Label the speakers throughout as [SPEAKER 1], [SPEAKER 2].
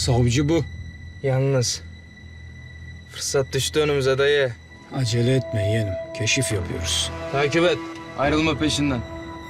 [SPEAKER 1] Savcı bu.
[SPEAKER 2] Yalnız fırsat düştü önümüze dayı.
[SPEAKER 1] Acele etme yeğenim. Keşif yapıyoruz.
[SPEAKER 2] Takip et. Ayrılma peşinden.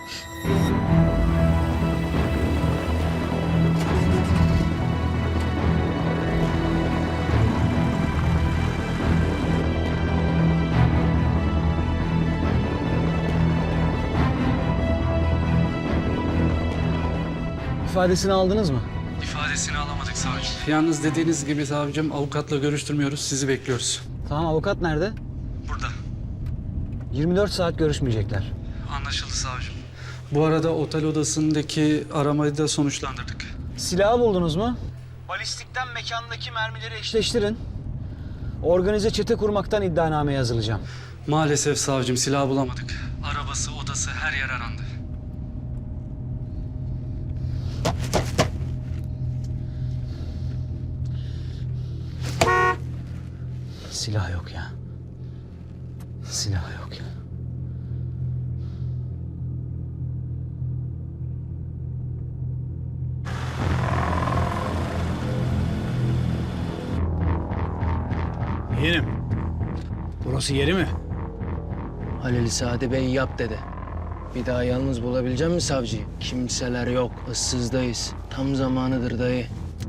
[SPEAKER 1] İfadesini aldınız mı?
[SPEAKER 3] İfadesini alamadık savcım. Yalnız dediğiniz gibi savcım avukatla görüştürmüyoruz. Sizi bekliyoruz.
[SPEAKER 1] Tamam, avukat nerede?
[SPEAKER 3] Burada.
[SPEAKER 1] 24 saat görüşmeyecekler.
[SPEAKER 3] Anlaşıldı savcım. Bu arada otel odasındaki aramayı da sonuçlandırdık.
[SPEAKER 1] Silahı buldunuz mu? Balistikten mekandaki mermileri eşleştirin. Organize çete kurmaktan iddianame yazılacağım.
[SPEAKER 3] Maalesef savcım silah bulamadık. Arabası, odası her yer arandı.
[SPEAKER 1] Silah yok ya. Silah yok ya. Yeğenim. Burası yeri mi?
[SPEAKER 4] Halil Sadi Bey yap dedi. Bir daha yalnız bulabilecek misin savcıyı? Kimseler yok, ıssızdayız. Tam zamanıdır dayı.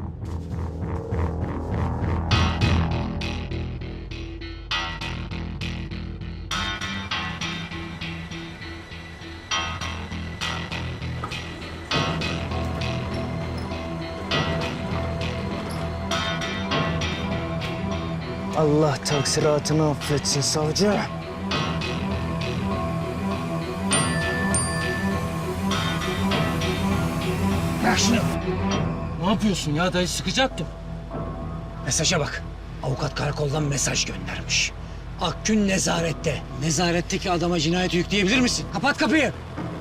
[SPEAKER 4] Allah taksiratını affetsin savcı.
[SPEAKER 1] Bırak şunu.
[SPEAKER 4] Ne yapıyorsun ya dayı? Sıkacaktım.
[SPEAKER 1] Mesaja bak. Avukat karakoldan mesaj göndermiş. Akgün nezarette. Nezaretteki adama cinayet yükleyebilir misin? Kapat kapıyı.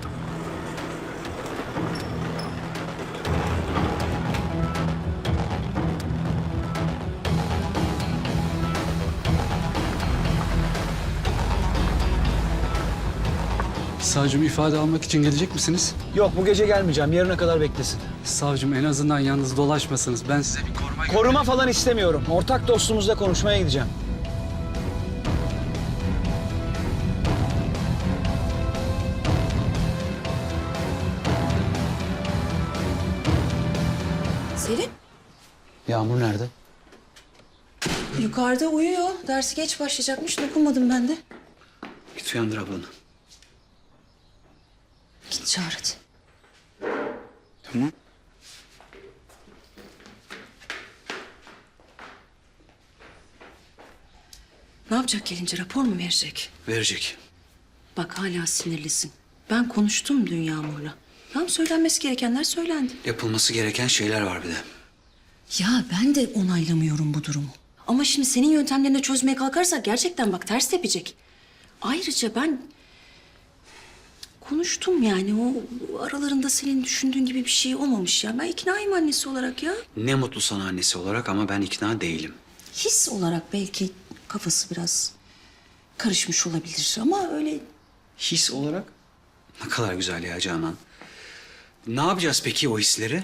[SPEAKER 3] Savcım ifade almak için gelecek misiniz?
[SPEAKER 1] Yok, bu gece gelmeyeceğim. Yarına kadar beklesin.
[SPEAKER 3] Savcım en azından yalnız dolaşmasınız. Ben size bir koruma...
[SPEAKER 1] Koruma falan istemiyorum. Ortak dostumuzla konuşmaya gideceğim.
[SPEAKER 5] Selim,
[SPEAKER 1] Yağmur nerede?
[SPEAKER 5] yukarıda uyuyor. Dersi geç başlayacakmış. Dokunmadım ben de.
[SPEAKER 1] Git uyandır ablanı.
[SPEAKER 5] Git çağır hadi.
[SPEAKER 1] Tamam.
[SPEAKER 5] Ne yapacak gelince? Rapor mu verecek?
[SPEAKER 1] Verecek.
[SPEAKER 5] Bak hala sinirlisin. Ben konuştum dün Yağmur'la. Tamam, söylenmesi gerekenler söylendi.
[SPEAKER 6] Yapılması gereken şeyler var bir de.
[SPEAKER 5] Ya ben de onaylamıyorum bu durumu. Ama şimdi senin yöntemlerini çözmeye kalkarsak gerçekten bak ters tepecek. Ayrıca ben konuştum yani o aralarında senin düşündüğün gibi bir şey olmamış ya. Ben iknayım annesi olarak ya.
[SPEAKER 6] Ne mutlu sana annesi olarak ama ben ikna değilim.
[SPEAKER 5] His olarak belki kafası biraz karışmış olabilir ama öyle
[SPEAKER 6] His olarak ne kadar güzel ya Canan. Ne yapacağız peki o hisleri?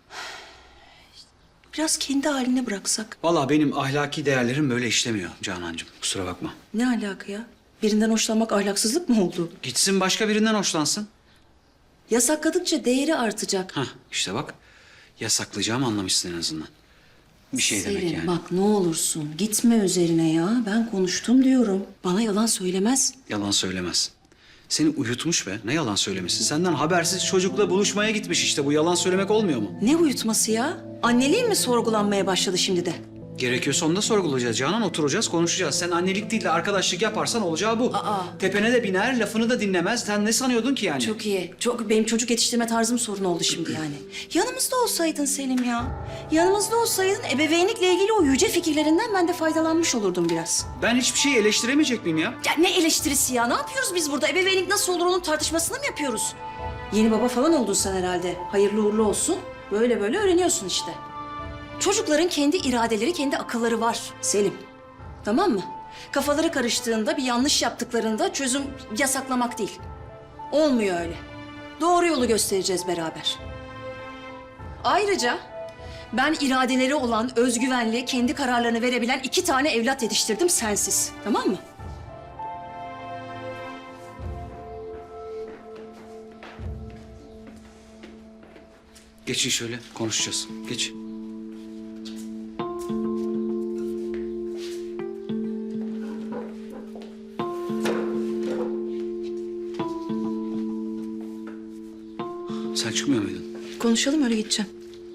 [SPEAKER 5] biraz kendi haline bıraksak.
[SPEAKER 6] Vallahi benim ahlaki değerlerim böyle işlemiyor Canancığım. Kusura bakma.
[SPEAKER 5] Ne alaka ya? Birinden hoşlanmak ahlaksızlık mı oldu?
[SPEAKER 6] Gitsin başka birinden hoşlansın.
[SPEAKER 5] Yasakladıkça değeri artacak.
[SPEAKER 6] Hah işte bak. Yasaklayacağım anlamışsın en azından. Bir şey demek
[SPEAKER 5] Selin,
[SPEAKER 6] yani.
[SPEAKER 5] bak ne olursun gitme üzerine ya. Ben konuştum diyorum. Bana yalan söylemez.
[SPEAKER 6] Yalan söylemez. Seni uyutmuş be. Ne yalan söylemesi. Senden habersiz çocukla buluşmaya gitmiş işte. Bu yalan söylemek olmuyor mu?
[SPEAKER 5] Ne uyutması ya? Anneliğin mi sorgulanmaya başladı şimdi de?
[SPEAKER 6] Gerekiyorsa onu da sorgulayacağız Canan. Oturacağız, konuşacağız. Sen annelik değil de arkadaşlık yaparsan olacağı bu.
[SPEAKER 5] Aa.
[SPEAKER 6] Tepene de biner, lafını da dinlemez. Sen ne sanıyordun ki yani?
[SPEAKER 5] Çok iyi. Çok benim çocuk yetiştirme tarzım sorun oldu şimdi yani. Yanımızda olsaydın Selim ya. Yanımızda olsaydın ebeveynlikle ilgili o yüce fikirlerinden ben de faydalanmış olurdum biraz.
[SPEAKER 6] Ben hiçbir şeyi eleştiremeyecek miyim ya?
[SPEAKER 5] Ya ne eleştirisi ya? Ne yapıyoruz biz burada? Ebeveynlik nasıl olur onun tartışmasını mı yapıyoruz? Yeni baba falan oldun sen herhalde. Hayırlı uğurlu olsun. Böyle böyle öğreniyorsun işte. Çocukların kendi iradeleri, kendi akılları var Selim. Tamam mı? Kafaları karıştığında, bir yanlış yaptıklarında çözüm yasaklamak değil. Olmuyor öyle. Doğru yolu göstereceğiz beraber. Ayrıca Ben iradeleri olan, özgüvenli, kendi kararlarını verebilen 2 tane evlat yetiştirdim sensiz. Tamam mı?
[SPEAKER 6] Geçin şöyle konuşacağız. Geç. Sen çıkmıyor muydun?
[SPEAKER 5] Konuşalım öyle gideceğim.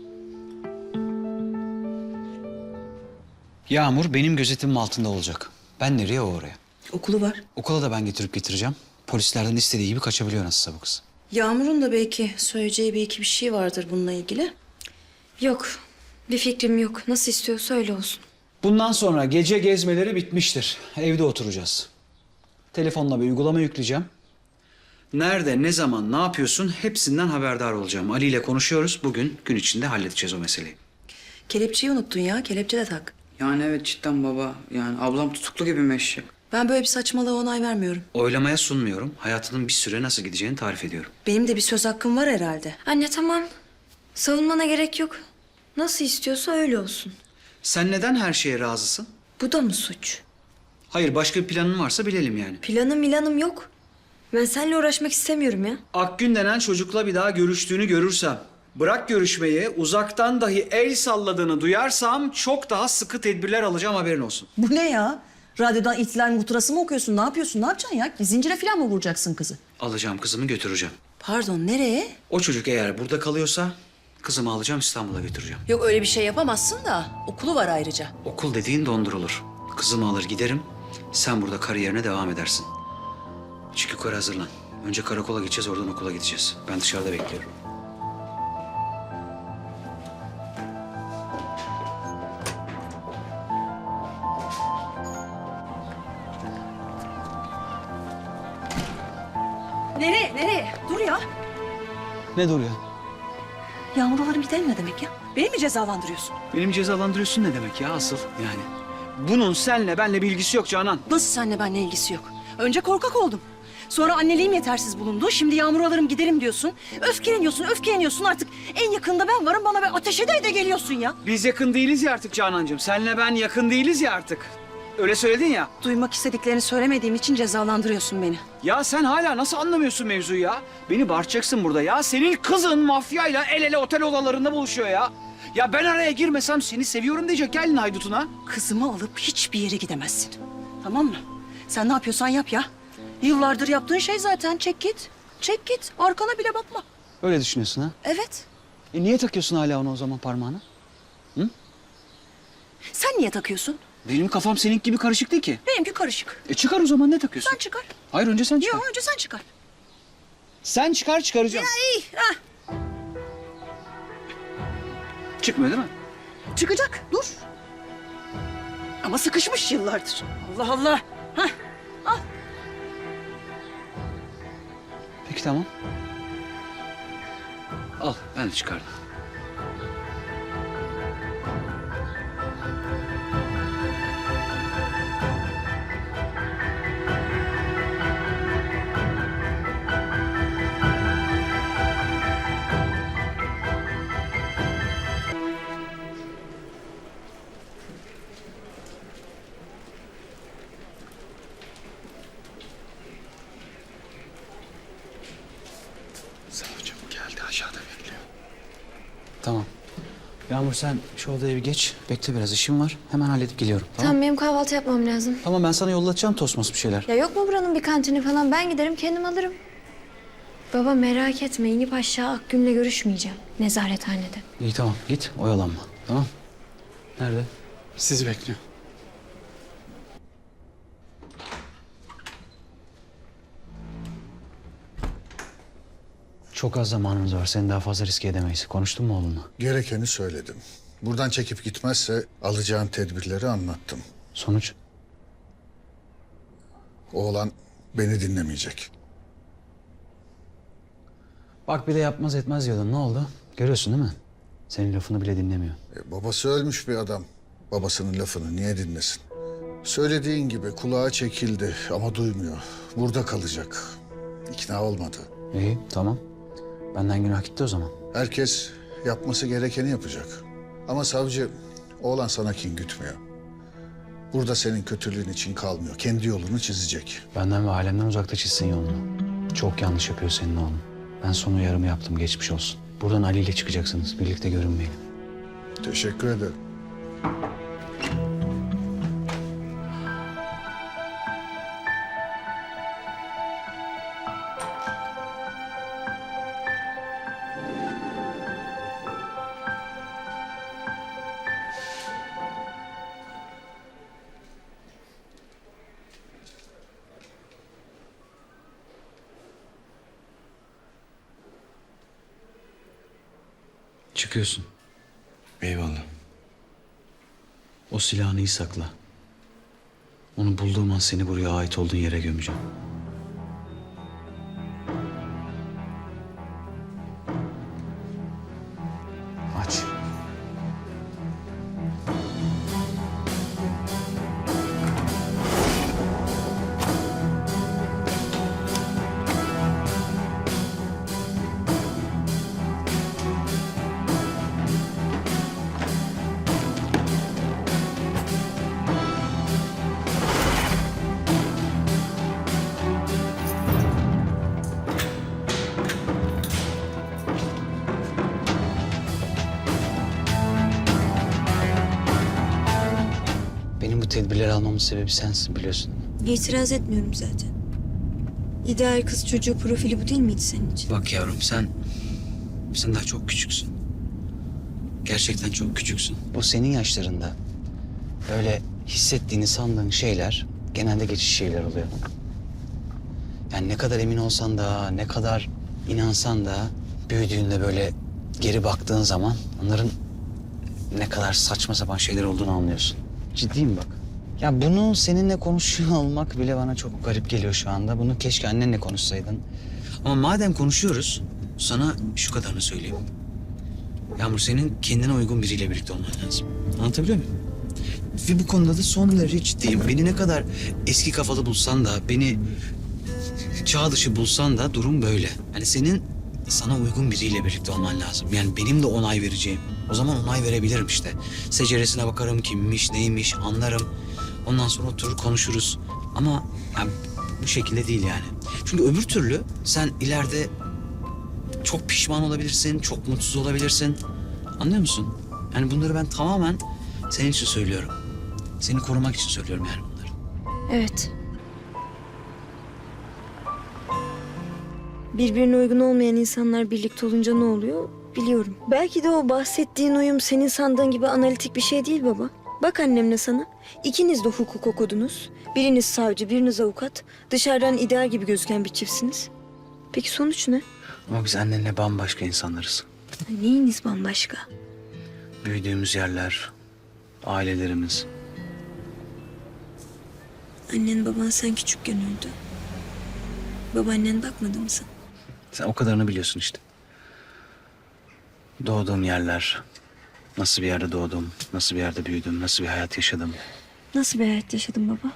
[SPEAKER 6] Yağmur benim gözetimim altında olacak. Ben nereye o oraya.
[SPEAKER 5] Okulu var.
[SPEAKER 6] Okula da ben getirip getireceğim. Polislerden istediği gibi kaçabiliyor nasılsa bu kız.
[SPEAKER 5] Yağmur'un da belki söyleyeceği bir iki bir şey vardır bununla ilgili.
[SPEAKER 7] Yok. Bir fikrim yok. Nasıl istiyorsa öyle olsun.
[SPEAKER 6] Bundan sonra gece gezmeleri bitmiştir. Evde oturacağız. Telefonla bir uygulama yükleyeceğim. Nerede, ne zaman, ne yapıyorsun hepsinden haberdar olacağım. Ali ile konuşuyoruz. Bugün gün içinde halledeceğiz o meseleyi.
[SPEAKER 5] Kelepçeyi unuttun ya. Kelepçe de tak.
[SPEAKER 8] Yani evet cidden baba. Yani ablam tutuklu gibi meşhur.
[SPEAKER 5] Ben böyle bir saçmalığa onay vermiyorum.
[SPEAKER 6] Oylamaya sunmuyorum. Hayatının bir süre nasıl gideceğini tarif ediyorum.
[SPEAKER 5] Benim de bir söz hakkım var herhalde.
[SPEAKER 7] Anne tamam. Savunmana gerek yok. Nasıl istiyorsa öyle olsun.
[SPEAKER 6] Sen neden her şeye razısın?
[SPEAKER 7] Bu da mı suç?
[SPEAKER 6] Hayır, başka bir planın varsa bilelim yani.
[SPEAKER 7] Planım yok. Ben seninle uğraşmak istemiyorum ya.
[SPEAKER 6] Akgün denen çocukla bir daha görüştüğünü görürsem, bırak görüşmeyi, uzaktan dahi el salladığını duyarsam çok daha sıkı tedbirler alacağım, haberin olsun.
[SPEAKER 5] Bu ne ya? Radyodan ihtilal muhtırası mı okuyorsun? Ne yapıyorsun? Ne yapacaksın ya? Zincire falan mı vuracaksın kızı?
[SPEAKER 6] Alacağım kızımı götüreceğim.
[SPEAKER 5] Pardon, nereye?
[SPEAKER 6] O çocuk eğer burada kalıyorsa kızımı alacağım, İstanbul'a götüreceğim.
[SPEAKER 5] Yok öyle bir şey yapamazsın da. Okulu var ayrıca.
[SPEAKER 6] Okul dediğin dondurulur. Kızımı alır giderim, sen burada kariyerine devam edersin. Çık yukarı, hazırlan. Önce karakola gideceğiz, oradan okula gideceğiz. Ben dışarıda bekliyorum.
[SPEAKER 5] Nereye? Nereye? Dur ya.
[SPEAKER 6] Ne dur ya?
[SPEAKER 5] Yağmur alırım gidelim ne demek ya? Beni mi cezalandırıyorsun?
[SPEAKER 6] Benim cezalandırıyorsun ne demek ya asıl yani? Bunun senle benle bir ilgisi yok Canan.
[SPEAKER 5] Nasıl seninle benimle ilgisi yok? Önce korkak oldum. Sonra anneliğim yetersiz bulundu. Şimdi Yağmur alırım giderim diyorsun. Öfkeleniyorsun artık. En yakında ben varım, bana bir ateş ede geliyorsun ya.
[SPEAKER 6] Biz yakın değiliz ya artık Canancığım. Senle ben yakın değiliz ya artık. Öyle söyledin ya.
[SPEAKER 5] Duymak istediklerini söylemediğim için cezalandırıyorsun beni.
[SPEAKER 6] Ya sen hala nasıl anlamıyorsun mevzuyu ya? Beni bağırtacaksın burada ya. Senin kızın mafyayla el ele otel odalarında buluşuyor ya. Ya ben araya girmesem seni seviyorum diyecek gelin haydutuna.
[SPEAKER 5] Kızımı alıp hiçbir yere gidemezsin. Tamam mı? Sen ne yapıyorsan yap ya. Yıllardır yaptığın şey zaten. Çek git. Çek git. Arkana bile bakma.
[SPEAKER 6] Öyle düşünüyorsun ha?
[SPEAKER 5] Evet.
[SPEAKER 6] Niye takıyorsun hala onu o zaman parmağına?
[SPEAKER 5] Sen niye takıyorsun?
[SPEAKER 6] Benim kafam senin gibi karışık değil ki.
[SPEAKER 5] Benimki karışık.
[SPEAKER 6] Çıkar o zaman, ne takıyorsun?
[SPEAKER 5] Sen çıkar.
[SPEAKER 6] Hayır, önce sen çıkar.
[SPEAKER 5] Yok önce sen çıkar.
[SPEAKER 6] Sen çıkar, çıkaracağım.
[SPEAKER 5] İyi. Ha.
[SPEAKER 6] Çıkmıyor değil mi?
[SPEAKER 5] Çıkacak. Dur. Ama sıkışmış yıllardır. Allah Allah. Hah.
[SPEAKER 6] Peki tamam. Al, ben de çıkardım.
[SPEAKER 3] Savcım geldi, aşağıda bekliyor.
[SPEAKER 6] Tamam. Yağmur sen şu odaya bir geç. Bekle biraz, işim var. Hemen halledip geliyorum. Tamam.
[SPEAKER 7] Tamam benim kahvaltı yapmam lazım.
[SPEAKER 6] Tamam, ben sana yollatacağım tosmos bir şeyler.
[SPEAKER 7] Ya yok mu buranın bir kantini falan? Ben giderim kendim alırım. Baba merak etme, inip aşağı Akgün'le görüşmeyeceğim. Nezarethanede.
[SPEAKER 6] İyi tamam, git oyalanma. Tamam. Nerede?
[SPEAKER 3] Sizi bekliyor.
[SPEAKER 6] Çok az zamanımız var. Seni daha fazla riske edemeyiz. Konuştun mu oğlunla?
[SPEAKER 9] Gerekeni söyledim. Buradan çekip gitmezse alacağım tedbirleri anlattım.
[SPEAKER 6] Sonuç?
[SPEAKER 9] Oğlan beni dinlemeyecek.
[SPEAKER 6] Bak bir de yapmaz etmez diyordun. Ne oldu? Görüyorsun değil mi? Senin lafını bile dinlemiyor.
[SPEAKER 9] Babası ölmüş bir adam. Babasının lafını niye dinlesin? Söylediğin gibi kulağa çekildi ama duymuyor. Burada kalacak. İkna olmadı.
[SPEAKER 6] İyi tamam. Benden günah gitti o zaman.
[SPEAKER 9] Herkes yapması gerekeni yapacak. Ama savcı, oğlan sana kin gütmüyor. Burada senin kötülüğün için kalmıyor. Kendi yolunu çizecek.
[SPEAKER 6] Benden ve ailemden uzakta çizsin yolunu. Çok yanlış yapıyor senin oğlun. Ben son uyarımı yaptım, geçmiş olsun. Buradan Ali ile çıkacaksınız, birlikte görünmeyin.
[SPEAKER 9] Teşekkür ederim.
[SPEAKER 6] Çıkıyorsun.
[SPEAKER 2] Eyvallah.
[SPEAKER 6] O silahını iyi sakla. Onu bulduğum an seni buraya ait olduğun yere gömeceğim. Aç. Benim bu tedbirleri almamın sebebi sensin, biliyorsun.
[SPEAKER 7] İtiraz etmiyorum zaten. İdeal kız çocuğu profili bu değil miydi senin için?
[SPEAKER 6] Bak yavrum, sen daha çok küçüksün. Gerçekten çok küçüksün. Bu senin yaşlarında böyle hissettiğini sandığın şeyler genelde geçici şeyler oluyor. Yani ne kadar emin olsan da, ne kadar inansan da büyüdüğünde böyle geri baktığın zaman onların ne kadar saçma sapan şeyler olduğunu anlıyorsun. Ciddiyim bak. Ya bunu seninle konuşuyor olmak bile bana çok garip geliyor şu anda. Bunu keşke annenle konuşsaydın. Ama madem konuşuyoruz, sana şu kadarını söyleyeyim. Yağmur, senin kendine uygun biriyle birlikte olman lazım. Anlatabiliyor muyum? Ve bu konuda da son derece ciddiyim. Beni ne kadar eski kafalı bulsan da, beni çağ dışı bulsan da durum böyle. Yani senin sana uygun biriyle birlikte olman lazım. Yani benim de onay vereceğim. O zaman onay verebilirim işte. Seceresine bakarım, kimmiş, neymiş anlarım. Ondan sonra oturur konuşuruz. Ama yani bu şekilde değil yani. Çünkü öbür türlü sen ileride çok pişman olabilirsin, çok mutsuz olabilirsin. Anlıyor musun? Yani bunları ben tamamen senin için söylüyorum. Seni korumak için söylüyorum yani bunları.
[SPEAKER 7] Evet. Birbirine uygun olmayan insanlar birlikte olunca ne oluyor biliyorum. Belki de o bahsettiğin uyum senin sandığın gibi analitik bir şey değil baba. Bak annemle sana. İkiniz de hukuk okudunuz. Biriniz savcı, biriniz avukat. Dışarıdan ideal gibi gözüken bir çiftsiniz. Peki sonuç ne?
[SPEAKER 6] Ama biz annenle bambaşka insanlarız.
[SPEAKER 7] Neyiniz bambaşka?
[SPEAKER 6] Büyüdüğümüz yerler, ailelerimiz.
[SPEAKER 7] Annen baban sen küçükken öldü. Babaannen bakmadı mı sana?
[SPEAKER 6] Sen o kadarını biliyorsun işte. Doğduğum yerler, nasıl bir yerde doğdum, nasıl bir yerde büyüdüm, nasıl bir hayat yaşadım.
[SPEAKER 7] Nasıl bir hayat yaşadın baba?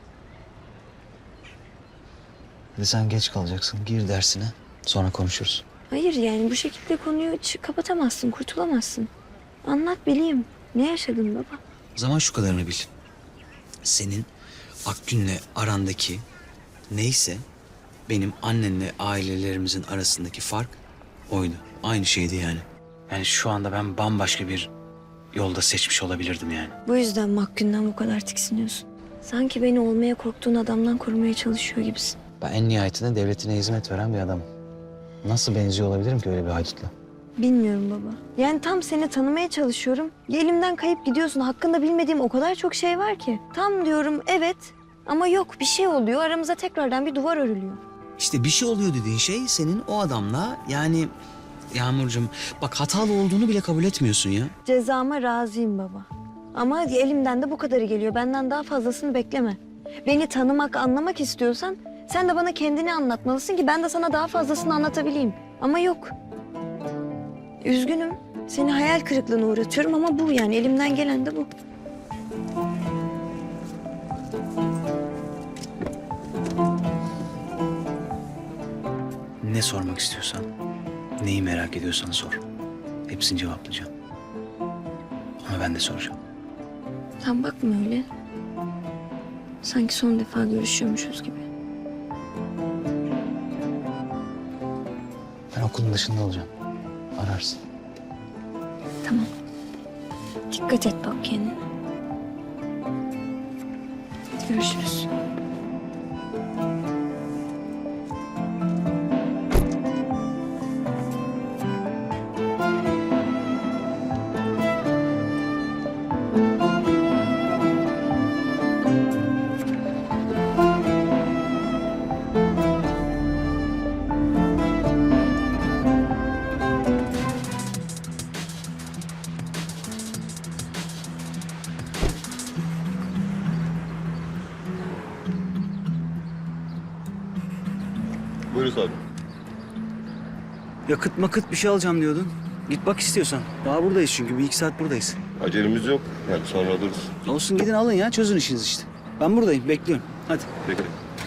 [SPEAKER 6] Hadi sen geç kalacaksın, gir dersine, sonra konuşuruz.
[SPEAKER 7] Hayır yani bu şekilde konuyu kapatamazsın, kurtulamazsın. Anlat bileyim. Ne yaşadın baba?
[SPEAKER 6] O zaman şu kadarını bil. Senin Akgün'le arandaki neyse benim annenle ailelerimizin arasındaki fark oydu. Aynı şeydi yani. Yani şu anda ben bambaşka bir yolda seçmiş olabilirdim yani.
[SPEAKER 7] Bu yüzden Hakkı'ndan bu kadar tiksiniyorsun. Sanki beni olmaya korktuğun adamdan korumaya çalışıyor gibisin.
[SPEAKER 6] Ben en nihayetinde devletine hizmet veren bir adamım. Nasıl benziyor olabilirim ki öyle bir haydutla?
[SPEAKER 7] Bilmiyorum baba. Yani tam seni tanımaya çalışıyorum. Elimden kayıp gidiyorsun. Hakkında bilmediğim o kadar çok şey var ki. Tam diyorum evet ama yok bir şey oluyor. Aramıza tekrardan bir duvar örülüyor.
[SPEAKER 6] İşte bir şey oluyor dediğin şey senin o adamla yani... Yağmurcuğum bak hatalı olduğunu bile kabul etmiyorsun ya.
[SPEAKER 7] Cezama razıyım baba. Ama elimden de bu kadarı geliyor. Benden daha fazlasını bekleme. Beni tanımak, anlamak istiyorsan sen de bana kendini anlatmalısın ki ben de sana daha fazlasını anlatabileyim. Ama yok. Üzgünüm. Seni hayal kırıklığına uğratıyorum ama bu yani elimden gelen de bu.
[SPEAKER 6] Ne sormak istiyorsan, neyi merak ediyorsan sor. Hepsini cevaplayacağım. Ama ben de soracağım.
[SPEAKER 7] Sen bakma öyle. Sanki son defa görüşüyormuşuz gibi.
[SPEAKER 6] Ben okulun dışında olacağım. Ararsın.
[SPEAKER 7] Tamam. Dikkat et bak kendine. Görüşürüz.
[SPEAKER 10] Buyurun abi.
[SPEAKER 6] Yakıt makıt bir şey alacağım diyordun. Git bak istiyorsan. Daha buradayız çünkü. Bir iki saat buradayız.
[SPEAKER 10] Acelemiz yok. Yani sonra alırız.
[SPEAKER 6] Olsun gidin alın ya. Çözün işinizi işte. Ben buradayım. Bekliyorum. Hadi.
[SPEAKER 10] Peki.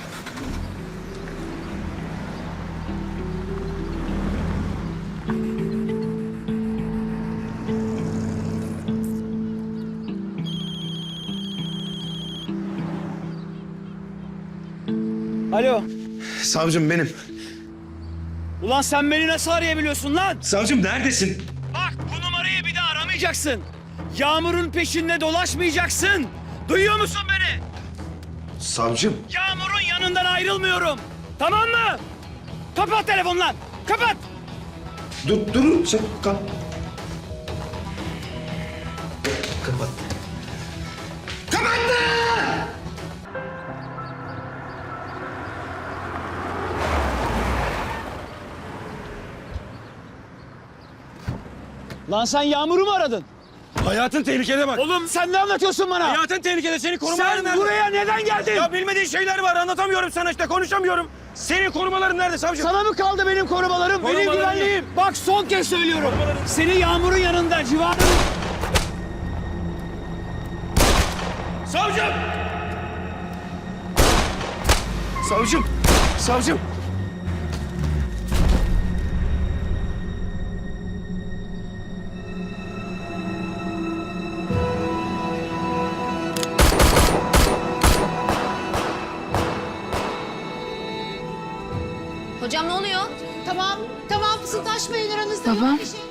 [SPEAKER 6] Alo.
[SPEAKER 11] Savcım benim.
[SPEAKER 6] Ulan sen beni nasıl arayabiliyorsun lan?
[SPEAKER 11] Savcım neredesin?
[SPEAKER 6] Bak bu numarayı bir daha aramayacaksın. Yağmur'un peşinde dolaşmayacaksın. Duyuyor musun beni?
[SPEAKER 11] Savcım.
[SPEAKER 6] Yağmur'un yanından ayrılmıyorum. Tamam mı? Kapat telefonu lan. Kapat.
[SPEAKER 11] Dur sen kal. Kapat.
[SPEAKER 6] Lan sen Yağmur'u mu aradın?
[SPEAKER 11] Hayatın tehlikede bak.
[SPEAKER 6] Oğlum sen ne anlatıyorsun bana?
[SPEAKER 11] Hayatın tehlikede, seni korumaların
[SPEAKER 6] Sen
[SPEAKER 11] nerede?
[SPEAKER 6] buraya neden geldin?
[SPEAKER 11] Ya bilmediğin şeyler var, anlatamıyorum sana işte, konuşamıyorum. Senin korumaların nerede savcım?
[SPEAKER 6] Sana mı kaldı benim korumalarım? Benim
[SPEAKER 11] Korumalarım
[SPEAKER 6] güvenliğim. Bak son kez söylüyorum. Seni Yağmur'un yanında civarında...
[SPEAKER 11] Savcım! Savcım! Savcım!
[SPEAKER 5] Hocam ne oluyor?
[SPEAKER 12] Tamam fısıldaşmayın aranızda.
[SPEAKER 7] Baba.
[SPEAKER 12] Yok bir şey.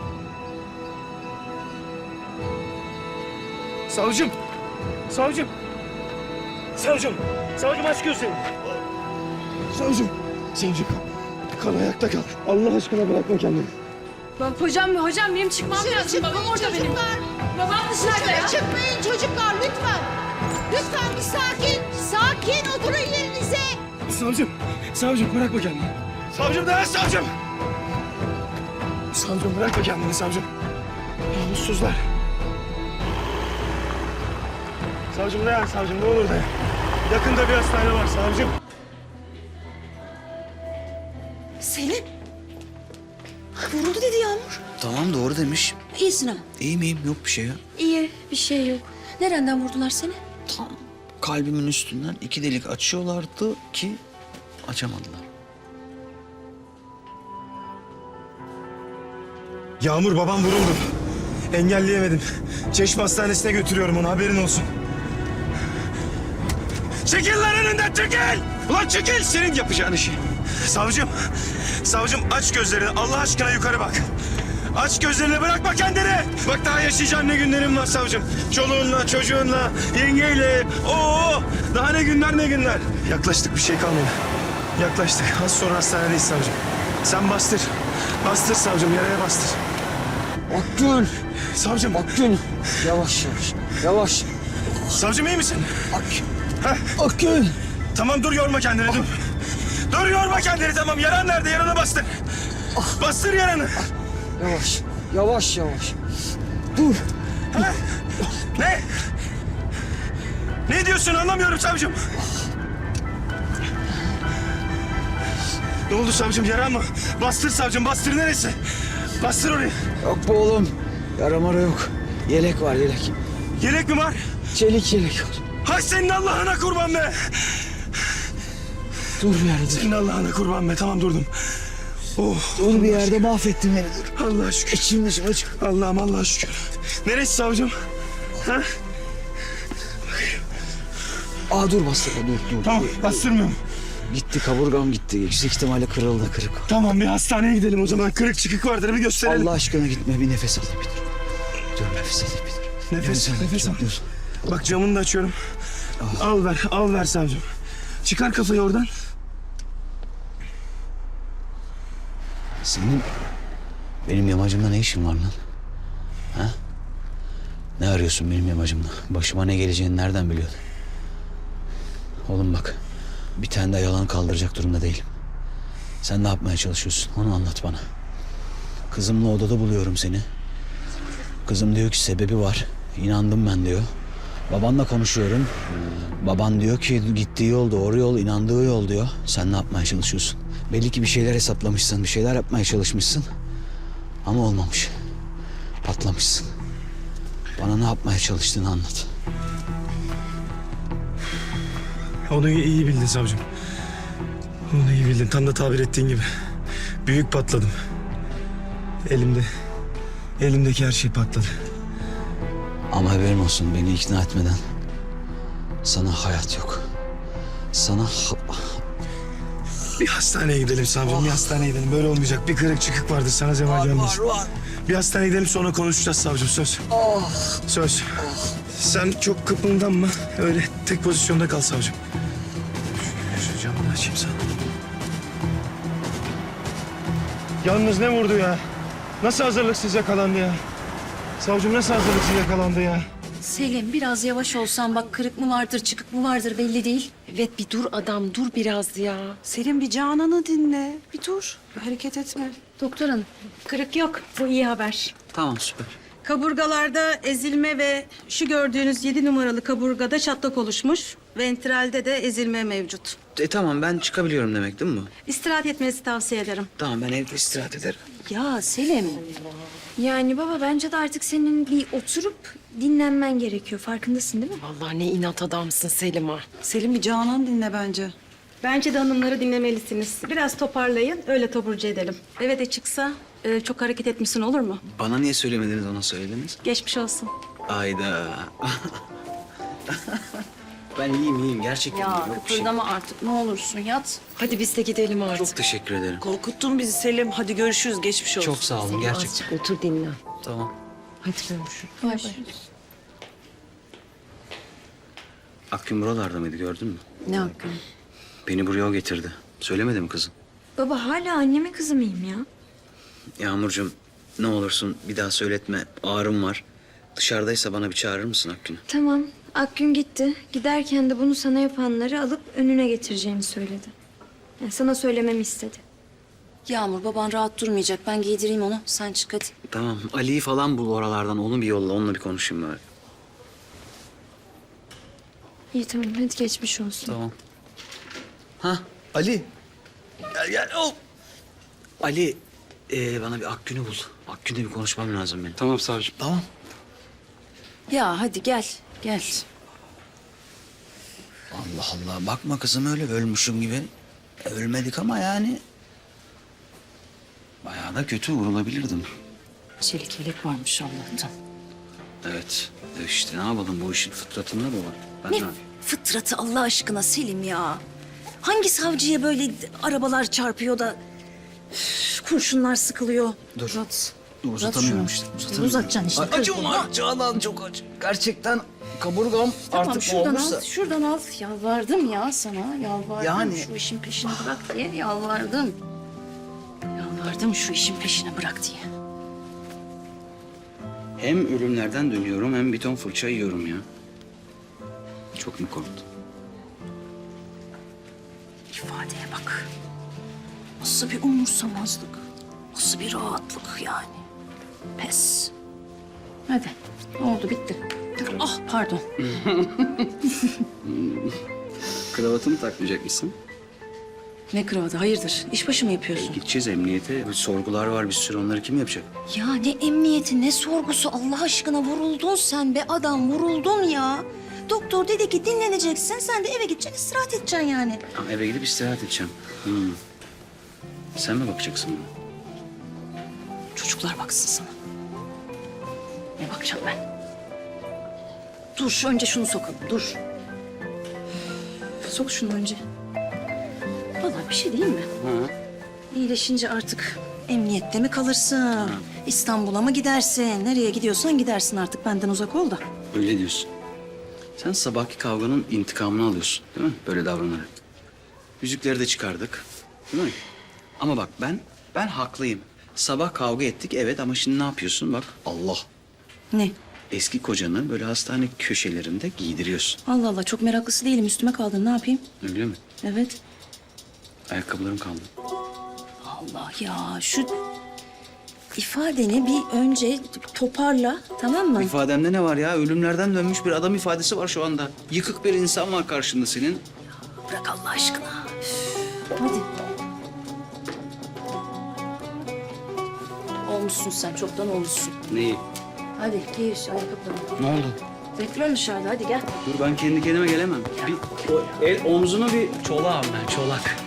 [SPEAKER 11] Savcım! Savcım! Savcım! Savcım aç gözlerini. Savcım! Savcım! Kal ayakta kal. Allah aşkına bırakma kendini.
[SPEAKER 5] Hocam benim çıkmam lazım. Babam orada benim. Babam dışarıda ya.
[SPEAKER 12] Çıkmayın çocuklar lütfen. Lütfen bir sakin. Sakin oturun yerinize.
[SPEAKER 11] Savcım! Savcım bırakma kendini. Savcım dayan savcım! Savcım bırakma kendini savcım. Namussuzlar. Savcım dayan savcım, ne olur dayan. Yakında bir hastane var savcım.
[SPEAKER 5] Selim. Vuruldu dedi Yağmur.
[SPEAKER 6] Tamam doğru demiş.
[SPEAKER 5] İyisin ama.
[SPEAKER 6] İyiyim yok bir şey ya.
[SPEAKER 5] İyi bir şey yok. Nereden vurdular seni?
[SPEAKER 6] Tam kalbimin üstünden 2 delik açıyorlardı ki açamadılar.
[SPEAKER 11] Yağmur babam vuruldu. Engelleyemedim. Çeşme Hastanesi'ne götürüyorum onu, haberin olsun. Çekil lan önünden, çekil! Ulan çekil, senin yapacağın işi. Savcım, savcım aç gözlerini, Allah aşkına yukarı bak. Aç gözlerini, bırakma kendini. Bak daha yaşayacağın ne günlerin var savcım. Çoluğunla, çocuğunla, yengeyle. Oo, daha ne günler ne günler. Yaklaştık, bir şey kalmadı. Yaklaştık. Az sonra hastanedeyiz savcım. Sen bastır. Bastır savcım, yaraya bastır.
[SPEAKER 4] Akgün.
[SPEAKER 11] Savcım.
[SPEAKER 4] Akgün. Yavaş yavaş. Yavaş.
[SPEAKER 11] Savcım iyi misin?
[SPEAKER 4] Akgün.
[SPEAKER 11] Tamam dur, yorma kendini, dur. Dur yorma kendini, tamam. Yaran nerede? Yarana bastır. Bastır yaranı.
[SPEAKER 4] Yavaş. Yavaş yavaş. Dur.
[SPEAKER 11] Ne? Ne diyorsun, anlamıyorum savcım. Ne oldu savcım, yaran mı? Bastır savcım, bastır, neresi? Bastır orayı.
[SPEAKER 4] Yok be oğlum. Yara mara yok. Yelek var yelek.
[SPEAKER 11] Yelek mi var?
[SPEAKER 4] Çelik yelek var.
[SPEAKER 11] Hay senin Allah'ına kurban be.
[SPEAKER 4] Dur yani dur.
[SPEAKER 11] Senin Allah'ına kurban be, tamam durdum.
[SPEAKER 6] Dur bir yerde mahvettin beni dur.
[SPEAKER 11] Allah'a şükür.
[SPEAKER 6] İçim dışım açık.
[SPEAKER 11] Allah'ım Allah'a şükür. Neresi savcım? Ha?
[SPEAKER 6] Aa dur bastırma dur.
[SPEAKER 11] Tamam bastırmıyorum.
[SPEAKER 6] Gitti kaburgam gitti. Yüksek ihtimalle kırıldı kırık.
[SPEAKER 11] Tamam bir hastaneye gidelim o zaman. Kırık çıkık vardır bir gösterelim.
[SPEAKER 6] Allah aşkına gitme bir nefes alayım bir dur. Dur nefes alayım bir dur.
[SPEAKER 11] Nefes al.
[SPEAKER 6] Dur.
[SPEAKER 11] Bak camını da açıyorum. Al ver savcım. Çıkar kafayı oradan.
[SPEAKER 6] Senin benim yamacımda ne işin var lan? Ha? Ne arıyorsun benim yamacımda? Başıma ne geleceğini nereden biliyordun? Oğlum bak, bir tane daha yalan kaldıracak durumda değilim. Sen ne yapmaya çalışıyorsun? Onu anlat bana. Kızımla odada buluyorum seni. Kızım diyor ki sebebi var. İnandım ben diyor. Babanla konuşuyorum. Baban diyor ki gittiği yol doğru yol, inandığı yol diyor. Sen ne yapmaya çalışıyorsun? Belli ki bir şeyler hesaplamışsın, bir şeyler yapmaya çalışmışsın. Ama olmamış. Patlamışsın. Bana ne yapmaya çalıştığını anlat.
[SPEAKER 11] Onu iyi bildin savcım. Onu iyi bildin. Tam da tabir ettiğin gibi. Büyük patladım. Elimdeki her şey patladı.
[SPEAKER 6] Ama haberin olsun, beni ikna etmeden sana hayat yok. Sana
[SPEAKER 11] Bir hastaneye gidelim savcım. Bir hastaneye gidelim. Böyle olmayacak. Bir kırık çıkık vardır. Sana zeval gelmez. Bir hastaneye gidelim sonra konuşacağız savcım. Söz. Söz. Sen çok kıpırdanma. Öyle tek pozisyonda kal savcım. Şu camını açayım sana. Yalnız ne vurdu ya? Nasıl hazırlıksız yakalandı ya? Savcım nasıl hazırlıksız yakalandı ya?
[SPEAKER 5] Selim biraz yavaş olsan bak kırık mı vardır çıkık mı vardır belli değil.
[SPEAKER 13] Evet bir dur adam dur biraz ya. Selim bir Canan'ı dinle. Bir dur. Hareket etme.
[SPEAKER 5] Doktor hanım kırık yok bu iyi haber.
[SPEAKER 6] Tamam süper.
[SPEAKER 13] Kaburgalarda ezilme ve şu gördüğünüz 7 numaralı kaburgada çatlak oluşmuş. Ventralde de ezilme mevcut.
[SPEAKER 6] Tamam ben çıkabiliyorum demek değil mi bu?
[SPEAKER 13] İstirahat etmenizi tavsiye ederim.
[SPEAKER 6] Tamam ben evde istirahat ederim.
[SPEAKER 5] Ya Selim
[SPEAKER 7] Yani baba bence de artık senin bir oturup dinlenmen gerekiyor. Farkındasın değil mi?
[SPEAKER 13] Vallahi ne inat adamsın Selim ha. Selim bir Canan dinle bence. Bence de hanımları dinlemelisiniz. Biraz toparlayın, öyle taburcu edelim. Eve de çıksa çok hareket etmişsin olur mu?
[SPEAKER 6] Bana niye söylemediniz, ona söylediniz?
[SPEAKER 13] Geçmiş olsun.
[SPEAKER 6] Ayda. Ben iyiyim gerçekten
[SPEAKER 5] ya
[SPEAKER 6] iyiyim. Yok bir şey.
[SPEAKER 5] kıpırdama artık ne olursun yat.
[SPEAKER 13] Hadi biz de gidelim artık.
[SPEAKER 6] Çok teşekkür ederim.
[SPEAKER 13] Korkuttun bizi Selim. Hadi görüşürüz, geçmiş olsun.
[SPEAKER 6] Çok sağ olun gerçekten.
[SPEAKER 13] Azıcık otur dinlen.
[SPEAKER 6] Tamam.
[SPEAKER 13] Hadi görüşürüz.
[SPEAKER 5] Bay bay.
[SPEAKER 6] Akgün buralarda mıydı, gördün mü?
[SPEAKER 5] Ne hakkın?
[SPEAKER 6] Beni buraya o getirdi. Söylemedi mi kızım?
[SPEAKER 7] Baba hala annemin kızı mıyım ya?
[SPEAKER 6] Yağmurcuğum ne olursun bir daha söyletme. Ağrım var. Dışarıdaysa bana bir çağırır mısın Akgün'ü?
[SPEAKER 7] Tamam. Akgün gitti. Giderken de bunu sana yapanları alıp önüne getireceğini söyledi. Yani sana söylememi istedi.
[SPEAKER 5] Yağmur baban rahat durmayacak ben giydireyim onu sen çık hadi.
[SPEAKER 6] Tamam. Ali'yi falan bul oralardan. Onu bir yolla. Onunla bir konuşayım bari.
[SPEAKER 7] İyi tamam hadi geçmiş olsun.
[SPEAKER 6] Tamam. Ha Ali. Gel. Oh. Ali bana bir Akgün'ü bul. Akgün'le bir konuşmam lazım benim.
[SPEAKER 3] Tamam savcım.
[SPEAKER 6] Tamam.
[SPEAKER 5] Ya hadi gel gel.
[SPEAKER 6] Allah Allah. Bakma kızım öyle ölmüşüm gibi. Ölmedik ama yani. Bayağı da kötü vurulabilirdim.
[SPEAKER 5] Çelik yelek varmış Allah'tan.
[SPEAKER 6] Evet. İşte ne yapalım, bu işin fıtratında bu var. Ben
[SPEAKER 5] Ne
[SPEAKER 6] ne yapayım?
[SPEAKER 5] fıtratı Allah aşkına Selim ya. Hangi savcıya böyle arabalar çarpıyor da üf, kurşunlar sıkılıyor.
[SPEAKER 6] Dur.
[SPEAKER 5] Uzat.
[SPEAKER 6] Dur, uzatamıyorum işte.
[SPEAKER 5] Uzatacaksın işte.
[SPEAKER 6] Acım var Canan, çok acı. Gerçekten kaburgam
[SPEAKER 5] Tamam
[SPEAKER 6] artık
[SPEAKER 5] şuradan
[SPEAKER 6] olmuşsa.
[SPEAKER 5] al, şuradan al. Yalvardım ya sana, yalvardım.
[SPEAKER 6] Yani-
[SPEAKER 5] Şu işin peşini bırak diye yalvardım. Yalvardım şu işin peşini bırak diye.
[SPEAKER 6] Hem ölümlerden dönüyorum hem bir ton fırça yiyorum ya. Çok mu korktun?
[SPEAKER 5] İfadeye bak. Nasıl bir umursamazlık. Nasıl bir rahatlık yani. Pes. Hadi. Oldu bitti. Ah pardon.
[SPEAKER 6] Kravatımı takmayacak mısın?
[SPEAKER 5] Ne kravatı hayırdır? İşbaşı mı yapıyorsun?
[SPEAKER 6] Gideceğiz emniyete. Bir sorgular var bir sürü, onları kim yapacak?
[SPEAKER 5] Ya ne emniyeti ne sorgusu Allah aşkına vuruldun sen be adam vuruldun ya. Doktor dedi ki dinleneceksin sen de eve gideceksin istirahat edeceksin yani.
[SPEAKER 6] Ha, eve gidip istirahat edeceğim. Sen mi bakacaksın bana?
[SPEAKER 5] Çocuklar baksın sana. Ne bakacağım ben? Dur önce şunu sokalım dur. Sok şunu önce. Vallahi bir şey değil mi?
[SPEAKER 6] Ha.
[SPEAKER 5] İyileşince artık emniyette mi kalırsın? İstanbul'a mı gidersin? Nereye gidiyorsan gidersin artık benden uzak ol da.
[SPEAKER 6] Öyle diyorsun. Sen sabahki kavganın intikamını alıyorsun değil mi? Böyle davranarak. Yüzükleri de çıkardık. Değil mi? Ama bak ben haklıyım. Sabah kavga ettik evet ama şimdi ne yapıyorsun? Bak Allah.
[SPEAKER 5] Ne?
[SPEAKER 6] Eski kocanı böyle hastane köşelerinde giydiriyorsun.
[SPEAKER 5] Allah Allah çok meraklısı değilim üstüme kaldın ne yapayım?
[SPEAKER 6] Öyle mi?
[SPEAKER 5] Evet.
[SPEAKER 6] Ayakkabılarım kaldı.
[SPEAKER 5] Allah ya şu ifadeni bir önce toparla tamam mı?
[SPEAKER 6] İfademde ne var ya? Ölümlerden dönmüş bir adam ifadesi var şu anda. Yıkık bir insan var karşında senin.
[SPEAKER 5] Bırak Allah aşkına. Üf, hadi. Olmuşsun sen çoktan olmuşsun.
[SPEAKER 6] Neyi?
[SPEAKER 5] Hadi giy şu ayakkabılarını.
[SPEAKER 6] Ne oldu?
[SPEAKER 5] Bekliyorum dışarıda hadi gel.
[SPEAKER 6] Dur ben kendi kendime gelemem. Bir o el omzunu bir çolağım ben çolak.